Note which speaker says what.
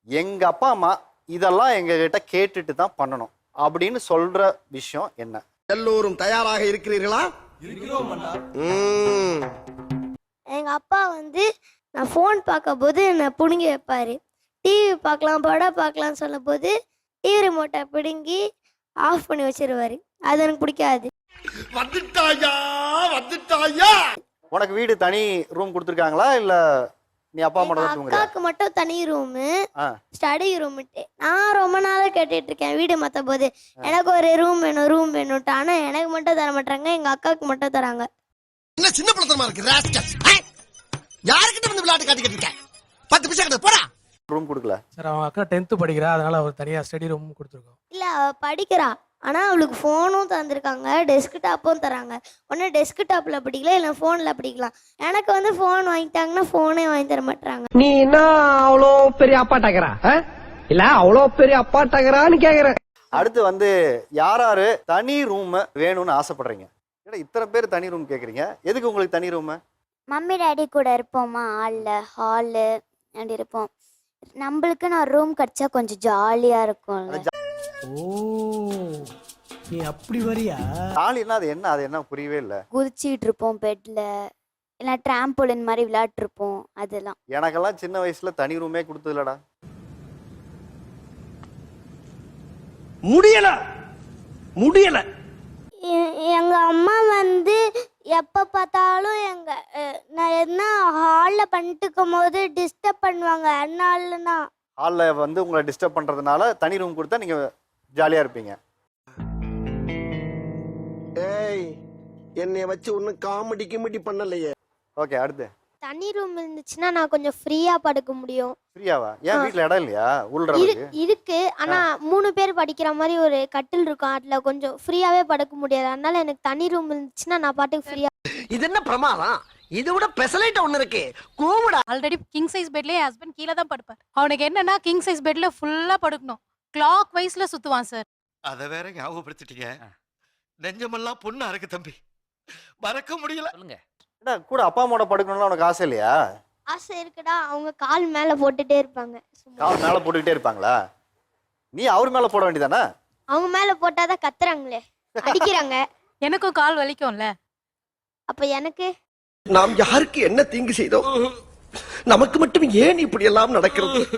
Speaker 1: எங்க அப்பா அம்மா இதெல்லாம் எங்க கிட்ட கேட்டுட்டு தான் பண்ணணும் அப்படின்னு சொல்ற விஷயம் என்ன?
Speaker 2: எல்லோரும் தயாராக இருக்கிறீர்களா?
Speaker 3: எங்க அப்பா நான் ஃபோன் பார்க்கும் போது என்னை பிடுங்கி வைப்பாரு. டிவி பார்க்கலாம் படம் பார்க்கலாம்னு சொல்லும் போது டிவி ரிமோட்டை பிடுங்கி ஆஃப் பண்ணி வச்சிருவாரு. அது எனக்கு பிடிக்காது.
Speaker 2: வந்துட்டாயா வந்துட்டாயா.
Speaker 1: உனக்கு வீடு தனி ரூம் கொடுத்துருக்காங்களா இல்ல நீ அப்பா அம்மா தான் தூங்குறியா?
Speaker 3: அக்காவுக்கு மட்டும் தனி ரூமு, ஸ்டடி ரூம்ட்டு. நான் ரொம்ப நாளா கேட்டுட்டு இருக்கேன் வீடு மாத்த போது எனக்கு ஒரு ரூம் வேணும்ட்டு. ஆனா எனக்கு மட்டும் தர மாட்டாங்க, எங்க அக்காவுக்கு மட்டும் தராங்க.
Speaker 2: என்ன சின்ன பிள்ளைத்தனமா இருக்கு ராஸ்கல். யார்கிட்ட வந்து விளையாட்டு காட்டிக்கிட்டு இருக்க? 10 பைசா கிட்ட போடா.
Speaker 1: ரூம் கொடுக்கல
Speaker 4: சார். அவங்க அக்கா 10th படிக்கிறா, அதனால ஒரு தனியா ஸ்டடி ரூம் கொடுத்துருக்கோம்.
Speaker 3: இல்ல அவ படிக்கிறா, ஆனா அவளுக்கு ஃபோனும் தந்திருக்காங்க, டெஸ்க்டாப்பும் தராங்க. ஒன்னு டெஸ்க்டாப்ல படிக்கலாம் இல்ல போன்ல படிக்கலாம். எனக்கு ஃபோன் வாங்கிட்டாங்கன்னா போனே வாங்கி தர மாட்டாங்க.
Speaker 5: நீ என்ன அவ்வளோ பெரிய அப்பாட்டாக்கிறா இல்ல அவ்வளோ பெரிய அப்பாட்டாக்கிறான்னு கேக்குறேன்.
Speaker 1: அடுத்து யாராரு தனி ரூம் வேணும்னு ஆசைப்படுறீங்க? ஏன்னா இத்தனை பேர் தனி ரூம் கேக்குறீங்க, எதுக்கு உங்களுக்கு தனி ரூம்?
Speaker 3: மம்மி டாடி கூட இருப்போமா, ஹாலு அப்படி இருப்போம். நம்மளுக்கு நான் ரூம் கிடைச்சா கொஞ்சம் ஜாலியா இருக்கும்ல.
Speaker 4: ஓ, நீ அப்படி வரியா?
Speaker 1: ஜாலினா அது என்ன புரியவே இல்ல.
Speaker 3: குதிச்சிட்டு இருப்போம் பெட்ல, இல்ல டிராம்போலின் மாதிரி விளையாட்டு இருப்போம். அதெல்லாம்
Speaker 1: எனக்கெல்லாம் சின்ன வயசுல தனி ரூமே கொடுத்ததுலடா.
Speaker 2: முடியல முடியல.
Speaker 3: எங்க அம்மா எப்ப பார்த்தாலும் நான் என்ன ஹால்ல பண்ணிட்டு இருக்கும் போது டிஸ்டர்ப் பண்ணுவாங்க. அதனாலதான்
Speaker 1: ஹால்ல உங்களை டிஸ்டர்ப் பண்றதுனால தனி ரூம் கொடுத்தா நீங்க ஜாலியா இருப்பீங்க.
Speaker 2: ஏய், என்னைய வச்சு ஒன்னும் காமெடி கிமெடி பண்ணலையே.
Speaker 1: ஓகே, அடுத்து
Speaker 3: தனி ரூம் இருந்துச்சுன்னா நான் கொஞ்சம் ஃப்ரீயா படுக்க முடியும்.
Speaker 1: ஃப்ரீயாவா? ஏன் வீட்ல இடம் இல்லையா உள்றதுக்கு?
Speaker 3: இருக்கு, ஆனா 3 பேர் படிக்கிற மாதிரி ஒரு கட்டில் இருக்கும், அதுல கொஞ்சம் ஃப்ரீயாவே படுக்க முடியாது. அதனால எனக்கு தனி ரூம் இருந்துச்சுன்னா நான் பாட்டுக்கு ஃப்ரீயா.
Speaker 2: இது என்ன பிரமாதம்? இது விட பெசலைட் ஒண்ணு இருக்கு. கூவுடா.
Speaker 6: ஆல்ரெடி கிங் சைஸ் பெட்லயே ஹஸ்பண்ட் கீழே தான் படுப்பார். அவனுக்கு என்னன்னா கிங் சைஸ் பெட்ல ஃபுல்லா படுக்கணும், கிளாக் வைஸ்ல சுத்துவான் சார்.
Speaker 7: அத வேற ஞாபகப்படுத்திட்டீங்க. நெஞ்சமெல்லாம் பொண்ணா இருக்கு தம்பி, மறக்க முடியல. சொல்லுங்க.
Speaker 1: கூட அப்பா அம்மாவோட படுக்கணும்னு உனக்கு ஆசை இல்லையா?
Speaker 3: ஆசை இருக்குடா. அவங்க கால் மேல போட்டுட்டே இருப்பாங்க.
Speaker 1: கால் மேல போட்டுக்கிட்டே இருப்பாங்களா? நீ அவர் மேல போட வேண்டியதானே?
Speaker 3: அவங்க மேல போட்டாதான் கத்துறாங்களே, அடிக்கிறாங்க.
Speaker 6: எனக்கும் கால் வலிக்கும்ல.
Speaker 3: அப்ப எனக்கு
Speaker 2: நாம் யாருக்கு என்ன தீங்கு செய்தோம்? நமக்கு மட்டும் ஏன் இப்படி எல்லாம் நடக்கிறது?